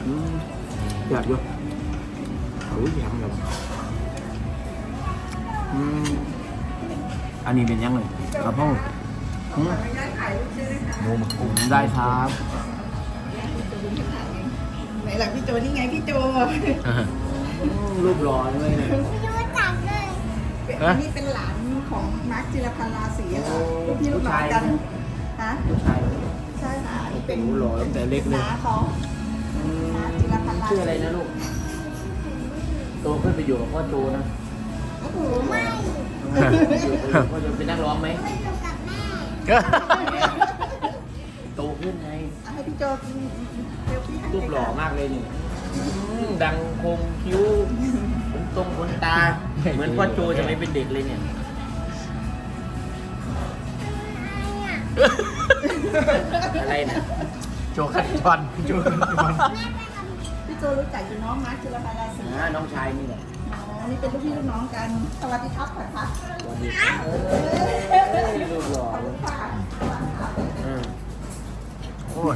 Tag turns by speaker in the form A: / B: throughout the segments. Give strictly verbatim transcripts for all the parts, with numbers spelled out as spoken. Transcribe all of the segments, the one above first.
A: อืมอยากอยู่โอ้ยอยากแบบอืมอันนี้เป็นยังไงครับพ่ออืม
B: หมูหมึกกุ้ง
A: ได้ครับ
C: ไหนหลังพี่โจนี่ไงพี่โจ
A: รูปหล่อเลยเนี่ย
C: อันนี้เป็นหลานของมาร์คจิรพันธ์ราศีค่ะลูกพี่ลูกน้องกันฮะ
A: ผู้ชาย
C: ใช่ค่ะอันนี้เป็น
A: โอ้โหหล่อตั้งแต่เล็กเลย
C: น้าเขาน้าจิรพันธ์ราศี
A: ชื่ออะไรนะลูกโตขึ้นไปอยู่กับพ่อโจนะ
C: โอ้โหไม่
A: พ่อโจเป็นนักร้องไหมโตขึ้นไง
C: ให้พี่โจเซลฟี่ให้
A: รูปหล่อมากเลยนี่ดังคมคิ้วขนตรงขนตา เหมือนพ่อโจจะไม่เป็นเด็กเลยเนี่ยอะไรนะ
B: โจขัดจอนโจขัดจอน
C: พี่โจรู้จักอยู่น้องมาร์คจิรพันธ์ราศี
A: อ่าน้องชายนี่แหละ
C: อ๋อนี่เป็นลูกพี่ลูกน้องกันสวัสดีครับก่อนครับ
A: สวัสดีครับเอ้ยรูปหล่อ
C: ขอบคุณค่ะ
A: อืม
B: โอ้ย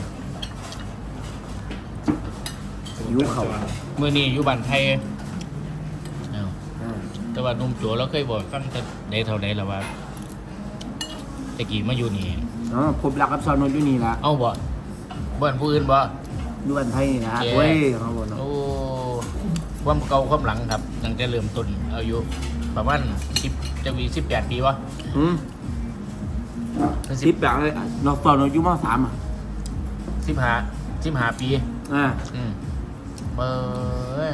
A: ยิ้วเขา
B: มือนี้อยู่บ้านไทยเอ้า
A: อ่า
B: แต่ว่าหนุ่มโจเราเคยบอกฟังแต่ได้เท่าใดแล้วว่าตะกี้มาอยู่นี่
A: อ๋อพบรักกับซอนนท์อยู่นี่ละ
B: เอ้าบ่บ่อนผู้อื่นบ่
A: อยู่บ้านไทยนี่นะ
B: แย่
A: เว้ยเขาบอกเนาะ
B: โอ้ความเก่าความหลังครับตั้งแต่เริ่มต้นอายุประมาณสิบจะมีสิบแปดปีวะ
A: อืมสิบแบบเลยเราตอนเราอยู่มสามอ่ะ
B: สิบห้าสิบห้าปี
A: อ่า
B: อืมเบอร์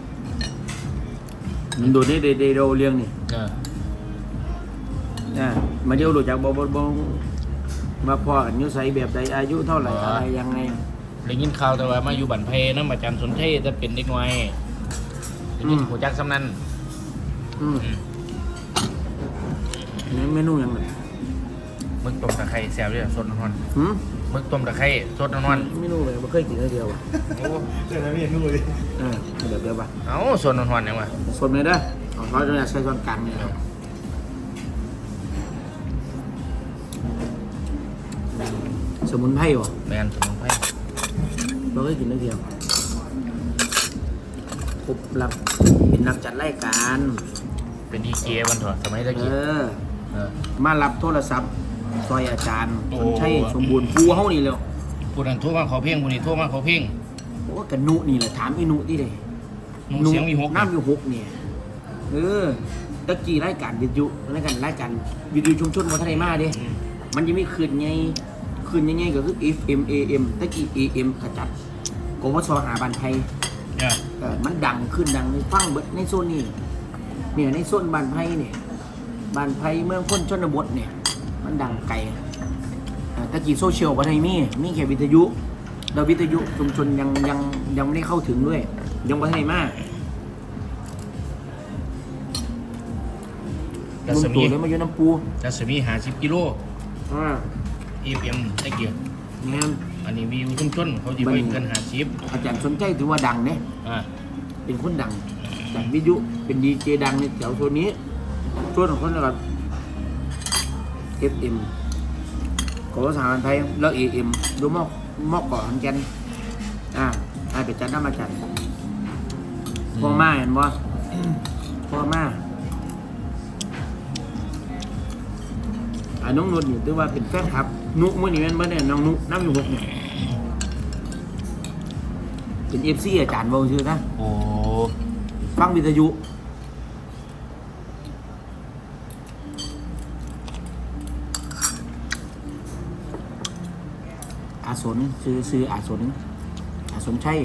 A: มันโดดได้เดโดเรียงนี่
B: เออ
A: อ่ามาเดียวรู้จักบ่บ่บ่มาพอกันอยู่ไสแบบใดอายุเท่าไหร่อะไรยังไง
B: ได้ยินข่าวแต่ว่ามาอยู่บันเพน้ำอาจารย์สนเทศจะเป็นเด็กน้อยได้ยิน
A: อืม
B: หัวจักสำนัน
A: อืมนี่เมนูยังไง
B: มึกต้มตะไคร้แซ่บเลยสดนอน
A: หืม
B: ๆมึกต้มตะไคร้สดนอน
A: เมนูเลยบ่เคยกินเลยเดียวอ่ะ
B: ๆโอ้
D: เดี๋ยวนะพี่นู่นเลย
A: เออเดี๋ยวเดี๋ยวป่ะ
B: เอ้าสดนอนๆยังวะ
A: สดเลยเด้อเอาเขาจะใช้ช้อนกลางนี่ครับสมุนไพรวะ
B: แมนสมุนไพร
A: เราเคยกินเลยเดียวครบรับเป็นนักจัดรายการ
B: เป็นดีเจวันเถอะสมัยตะ
A: เอ
B: กี้
A: อ
B: เออ
A: มารับโทรศัพท์ซอยอาจารย์
B: โอ้
A: คนใช่สมบูรณ์ฟูเฮานี่แล้ว
B: ผู้นั้นโทั่วมาขอเพ่งผู้นี้โทั่วมาขอเพ่ง
A: โอ้กันนุนี่แหละถามอีนุที่เลย
B: หนุ่มเสียงมีหก
A: น้ำมีหกเนี่ยเออตะกี้รายการวิทยุรายการรายการวิทยุชุมชนวัฒนธรรมมาเด้
B: อืม
A: มันจะมีคืนไงคืนยังไงก็คือ เอฟ เอ็ม เอ เอ็ม ตะกี้ เอ เอ็ม ขจัดกวสหาบันไทย
B: เนี่ย
A: เออมันดังขึ้นดังในฟังเบิดในโซนนี้เนี่ยในโซนบ้านไผ่เนี่ยบ้านไผ่เมืองพ้นชนบทเนี่ยมันดังไกลอ่าตะกี้โซเชียลวัฒนธรรมมีมีแค่วิทยุแล้ววิทยุชุมชนยังยังยังไม่ได้เข้าถึงด้วยยังวัฒนธรรมมา
B: รั
A: ลุ
B: ศ
A: ง
B: มี
A: ตู่เลยมาอยู่น้ำปู
B: รัศมีหาสิบกิโล
A: อ่า
B: เอฟเอ็มตะเกียบ
A: งาน
B: อันนี้วิวชุมชนเขาจะไปเกินหาสิบ
A: อาจารย์สนใจถือว่าดังเนี่ย
B: อ่า
A: เป็นคนดังจากวิทยุเป็นดีเจดังในแถวโซนนี้ส่วนของคนนะครับ เอฟ เอ็ม ของสถาบันไทยแล้ว เอ เอ็ม ดูมอกมอกก่อนกันอ่าให้ไปจัดน้ำมาจัดพ่อมาเห็นบ่พ่อมาอ่าน้องนุชนี่ถือว่าเป็นแฟนคลับ นุมื่อนี้แม่นบ่เนี่ยน้องนุน้ำอยู่หกเนี่ยเป็นเอฟซีอาจารย์บ่ชื่อนะ
B: โอ้
A: ฟังวิทยุ อาสนซื้อซื้ออาสนอาสนใช่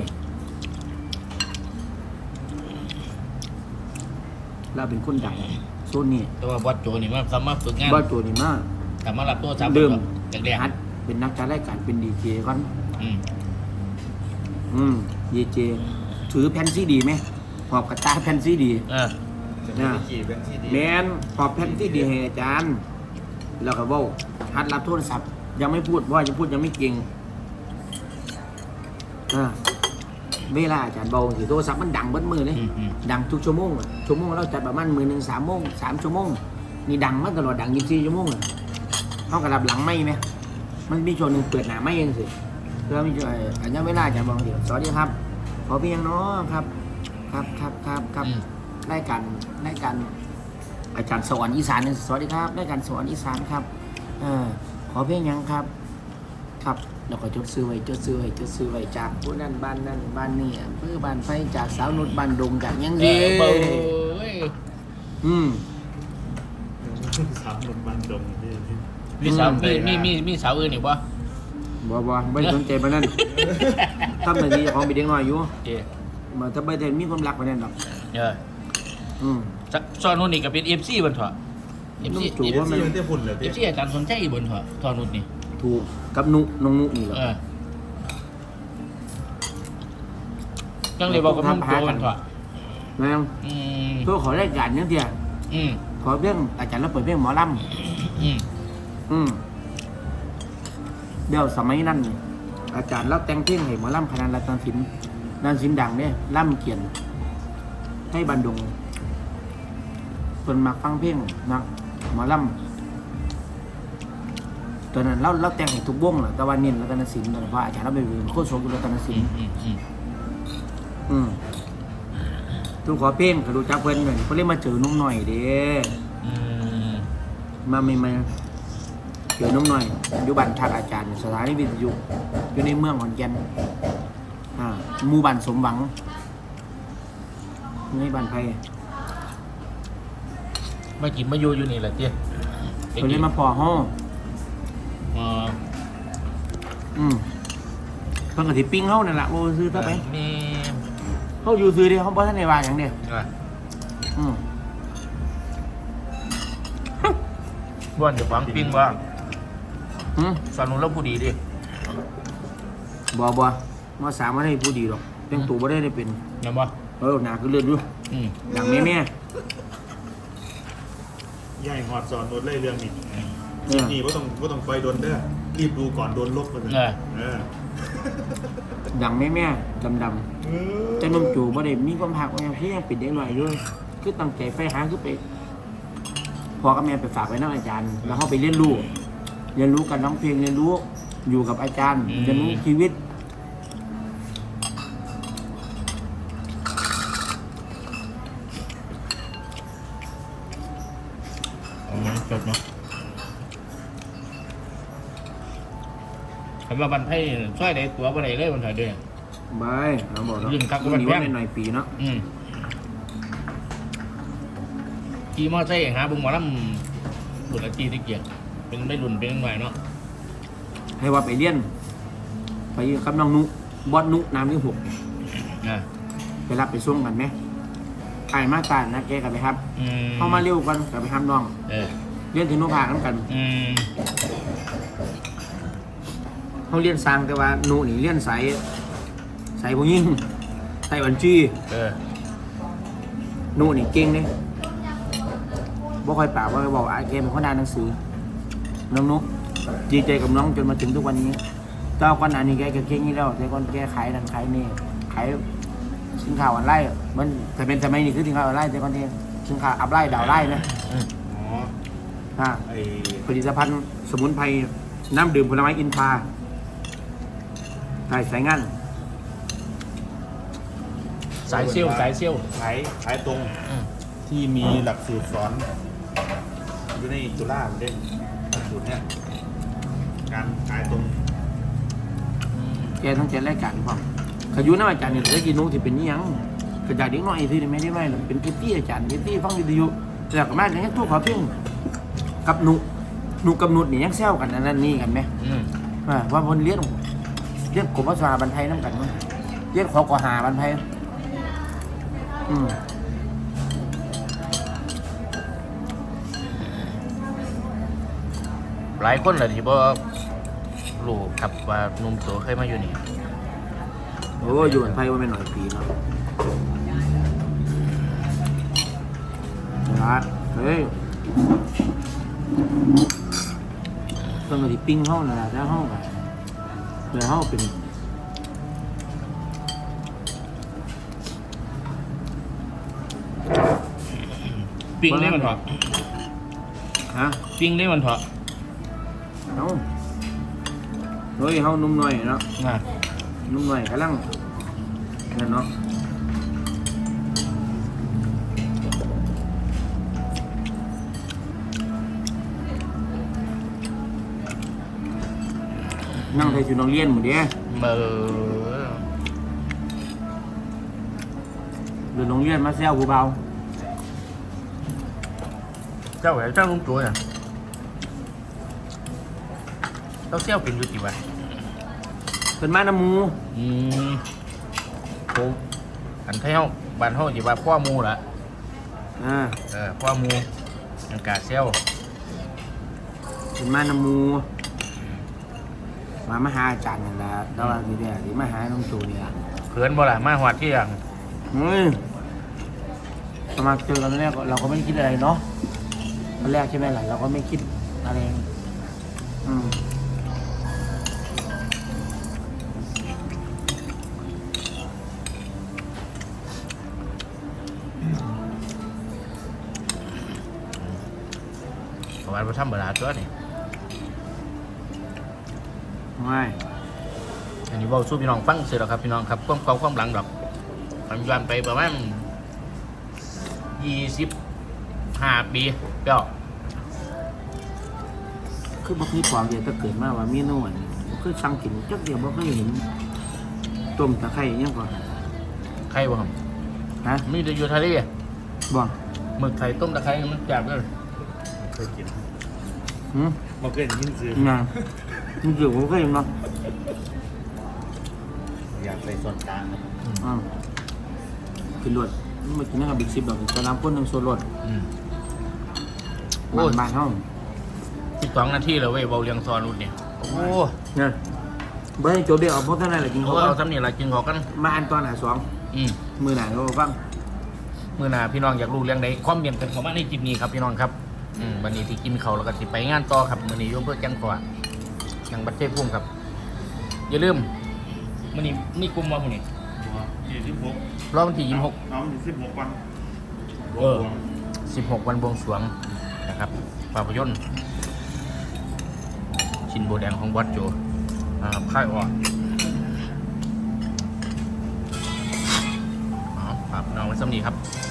A: เราเป็นคนดังโซนนี้
B: แต่ว่าวัดโจนี่มันสามารถฝึกงาน
A: บ้านตัวนี้มาก
B: สามารถรับตัวสาม
A: เดิม
B: แรก
A: ฮัดเป็นนักจัดรายการเป็นดีเจก่อน
B: ๆอืม
A: อืมดีเจถือแผ่นซีดีไหมหอบกระตาแผ่นซีดี
B: เออ
D: จะไม่ได้ขี่เป็นที่ดี
A: แมนหอบแผ่นซีดีให้อาจารย์ แล้วก็เว่าฮัดรับโทรศัพท์ ยังไม่พูดเพราะว่าจะพูดยังไม่เก่งอ่าเวลาอาจารย์เบาสิโทรศัพท์มันดังเบิดมือเลย
B: อืมอืม
A: ดังทุกชั่วโมงอะชั่วโมงเราจัดประมาณมือหนึ่งสามโมงสามชั่วโมงนี่ดังมาตลอดดังยี่สิบสี่ชั่วโมงอะเขากระดับหลังไม่ไหมมันมีช่วงหนึ่งเปิดหนาไม่เองสิเพื่อมีช่วงอันนี้เวลาอาจารย์บอกเดี๋ยวสวัสดีครับอเพียงเนาะครับครับครับครับครับ
B: อืม
A: รายการรายการอาจารย์สวรรค์อีสานสวัสดีครับรายการสวรรค์อีสานครับเออขอเพียงหยังครับครับแล้วก็จดซื้อไว้จดซื้อไว้จดซื้อไว้จากผู้นั้นบ้านนั้นบ้านนี้อำเภอบ้านไฟจากสาวนุชบ้านดงจากหยัง
B: เอ
A: ดี
B: อเบ้ย
A: อืม
D: สามหนุ่มบันดงที่
B: มีสาว
A: อืม
B: มีมีมีมีสาวอื่นอีกบ่
A: บ่บ่ไม่ได้สนใจปานนั้นทำหน้าที่ของเป็นเด็กน้อยอยู่
B: เจ้
A: มาถ้าไม่ได้มีความรักปานนั้นหรอก
B: เออ
A: อืม
B: ซซอนนู่นนี่ก็เป็น เอฟ ซี บนเถอะ เอฟ ซี
A: ถู
D: ถู
A: ก
D: ก
A: ว่า
D: ว่า
A: มั
D: มัน นได้ฝุ่นเหรอ
B: เอ
D: พี่
B: ฟ ซี อาจารย์สนใจบนเถอะซอนนู่นนี่
A: ถูกกับนุน้องนุนี่เหรอ
B: เออจังเลยบอกกับนุ่มโจกันเถอะ
A: แม่ง
B: อืม
A: เพื่อขอรายการยังเดียว
B: อืม
A: ขอเรื่องอาจารย์เราเปิดเพลงหมอล
B: อืม
A: ำอืมเดี๋ยวสมัยนั้นนี่อาจารย์เราแต่งเพลงให้หมอลำคณะรัตนศิลป์นันศิลป์ดังเนี่ยล่ำเขียน ให้บันดงคนมาฟังเพลงนะหมอลำตอนนั้นเราเราแต่งให้ทุกวงแหละแต่วันนี้รัตนศิลป์ตอนนั้นเพราะอาจารย์เราเป็นโคตรโชว์รัตนศิ
B: อื
A: ล
B: ม
A: ป์
B: อืมอืม
A: อืมทุกขอเพลงก็รู้จักเพิ่นเลยเขาเรียกมาเจอนุ่มหน่อยเด้
B: อืม
A: มาไม่มาเจอนุ่มหน่อยอยู่บ้านทักอาจารย์สถานีวิทยุอยู่ในเมืองขอนแก่นอ่าหมู่บ้านสมหวังในบ้านไผ่
B: มากินมาอยู่อยู่นี่แหละเจ้
A: เพิ่นเลยมาพอห้อง
B: อ๋อ
A: อืมเพิ่นก็สิปิ้งเฮานั่นล่ะโอ้ซื้อซะไป
B: มี
A: เฮาอยู่ซื้อเด้เฮาบ่ทันได้ว่าหยังเด้
B: อ่ะ
A: อืม
B: บ้านเดี๋ยวฟังปิ้งว่า
A: หืม
B: สอนนุ่นเราผู้ดีดิ
A: บ่บ่มาสามมาได้ผู้ดีดอกแต่งตัวบ่ได้ได้เป็น
B: เห็นบ่
A: เออหน้าคือเลือดอยู่
B: อืม
A: ดังแม่
D: ใหญ่หอดสอนโดนไล่เรื่องนี้
A: ๆเอ
D: คลิป
A: อ
D: นี้ว่าต้องว่าต้องไฟโดนเด้อรีบดูก่อนโดนลบกันเลย
B: เออ
D: เออ
A: ดังแม่ๆดำๆ
D: เออ
A: แต่นมจูบ่ได้มีความหักว่าอย่างที่ยังปิดเด็กหน่อยด้วยคือตั้งใจไฟหาคือไปพอกับแม่ไปฝากไว้นักอาจารย์ แล้วเขาไปเรียนรู้เรียนรู้กันร้องเพลงเรียนรู้อยู่กับอาจารย์เรียนรู้ชีวิต
B: อ๋อจบเนาะคำว่าบันไทยช่วยได้ตัวบ่ได้เลยบันไทยเด้อ
A: บายเราบอกเนาะ
B: ยิ่งคักกว่า
A: นี่
B: แพ
A: ว่าง ในหน่อยปีเนาะ
B: อืมขี่มอไซค์หาบุงหมอลำบุญอาจีที่เกียรติเป็นไม่รุ่นเป็นหน่อยเนาะ
A: ให้ว่าไปเรียน ไปกับน้องนุบอสนุน้ำที่หก
B: อ่า
A: ไปรับไปส่งกันไหมไอ้มาตานะแกกันไปครับ
B: อืม
A: เข้ามาเร็วกันกับไปทำน้อง
B: เออ
A: เรียนถึงนุภาคกัน
B: อืม
A: เขาเรียนสร้างแต่ว่านุนี่เรียนสายสายผู้หญิงสายบัญชี
B: เออ
A: นู่นนี่เก่งเนี่ยบ่ค่อยปากว่าบอกไอ้แกเป็นคนอ่านหนังสือ น้องนุ๊กดีใจกับน้องจนมาถึงทุกวันนี้เจ้าก่อนหน้านี้แกก็เก่งนี่แล้วแต่ก่อนแกขายนั่นขายนี่ขายสินค้าออนไลน์อะมันแต่เป็นสมัยนี้คือสินค้าออนไลน์แต่ก่อนที่สินค้าอัพไลน์ดาวน์ไลน์นะ
B: อืม
D: อ๋อ
A: อ่า
D: ไอ
A: ผลิตภัณฑ์สมุนไพรน้ำดื่มผลไม้อินทราใช่สายงาน
B: สายเซี่ยวสายเซี่ยว
D: ขายขายตรง
B: อืม
D: ที่มีหลักสูตรสอนอยู่ในจุฬาเล่นหลักสูตรเนี้ยการขายตรง
A: แกต้องเจรรายการพร้อมขยุน้ำอาจารย์เนี่ยได้กินนุ๊กที่เป็นนี่ยังกระจายเด็กน้อยที่ไม่ได้ไม่หรอกเป็นเอฟซี่อาจารย์เอฟซี่ฟังวิทยุแล้วก็มาอย่างนี้ทุกขอเพียงกับหนุหนุกับหนุดนี่ยังแซวกันอันนั้นนี่กันไหม
B: อืม
A: ว่าว่าคนเลี้ยงเลี้ยงกบภาษาบันไทยน้ำกันมั้งเลี้ยงขอกอหาบันไทยอืม
B: หลายคนเลยที่บ่รู้ครับว่าหนุ่มโตเคยมาอยู่นี่
A: โอ้อยู่บันไทยว่าไม่หน่อยปีเนาะนะเฮ้ยต้องมาที่ปิ้งห้องนะแล้วห้องอะเดี๋ยวห้องเป็น
B: ปิ้งได้มันเถอะ
A: ฮะ
B: ปิ้งได้มันเถอะ
A: เอ้าเฮ้ยเฮานุ่มหน่อยเนาะ
B: อ่า
A: นุ่มหน่อยกำลังนั่นเนาะนั่งใส่ชุดนักเรียนหมดเด้
B: เบอร์
A: เดินโรงเรียนมาแซวผู้เบา
B: เจ้าไหนเจ้าลุงตัวน่ะเจ้าเซี่ยวเป็นอยู่กี่วัน
A: เป็นมาน้ำหมู
B: อืมโอ้อันเท่าบ้านเท่าจีว่าพ่อหมูละ
A: อ่า
B: เออพ่อหมูอันกาเซี่ยว
A: เป็นมาน้ำหมูมามาหาอาจารย์นั่นแหละดาวน์ดีเดียดีมาหาน้องตูนี่ล่ะ
B: เขินบ่ล่ะมาหอดที่อย่าง
A: เฮ้ยตอนมาเจอกันแรกเราก็ไม่ได้คิดอะไรเนาะตอนแรกใช่ไหมล่ะเราก็ไม่คิดอะไรอืม
B: ประมาณว่าทำเวลาตัวนี่
A: ไม่
B: อันนี้เว่าสู้พี่น้องฟังเสร็จแล้วครับพี่น้องครับความเก่าความหลังดอกมันย้อนไปประมาณยี่สิบห้าปีเจ้า
A: คือบ่เคยความเดียวถ้าเกิดมาว่าเมนูอันนี้บ่เคยสั่งกินจักเดียวบ่เคยเห็นต้มตะไคร้อิหยังก่อน
B: ใครบ่ครับ
A: ฮะ
B: มีแต่อยู่ทะเล
A: บ่
B: หมึกไข่ต้มตะไคร้มันจับเลย
D: เคยกิน
A: หืม
D: มาเคยกินซื้อ
A: งานมันเกี่ยวกับเคยเห็นเนาะ
D: อยากใส่ส่วนกลางนะ
A: อ่ากินรวดมันมากินนะครับบิ๊กซิบดอกจะน้ำข้นหนึ่งโซนรวด
B: อืม โอ้
A: บ้าย นบ้านห้อง
B: สิบสองนาทีแล้วเว้ยเบาเรียงซอนรุ่นเนี่ยโอ้
A: เนี่ยเบอร์ให้โจเดียวเอาเพราะเท่านั้นแหละกิน
B: เขา
A: เขา
B: เอา
A: ก็
B: สำเนียงอะไรกินขอกัน
A: มาอันตอนหาสอง
B: อืม
A: มือหนาเขาฟัง
B: มื่อหนาพี่น้องอยากรู้เรื่องใดความเบียนกันของมาในจิบนี้ครับพี่น้องครับอืมวันนี้ที่กินเขาวแล้วก็สิไปงานต่อครับมื่อนี้อยมเพื่อแจ้งขวาอย่างบัตเจ้พุ่มครับ อย่าลืมมื่อนี้นี่กลุ่มว่ามื่อนี้
D: ยี่สิบหก
B: รอบวันที่ยี่สิบหก
D: น้องยี่สิบหกวัน
B: เออ สิบหกวันบวงสรวงนะครับภาพยนตร์ชินโบแดงของวัดโจนะครับค่ายอ่อนอ๋อครับน้องไว้สำนีครับ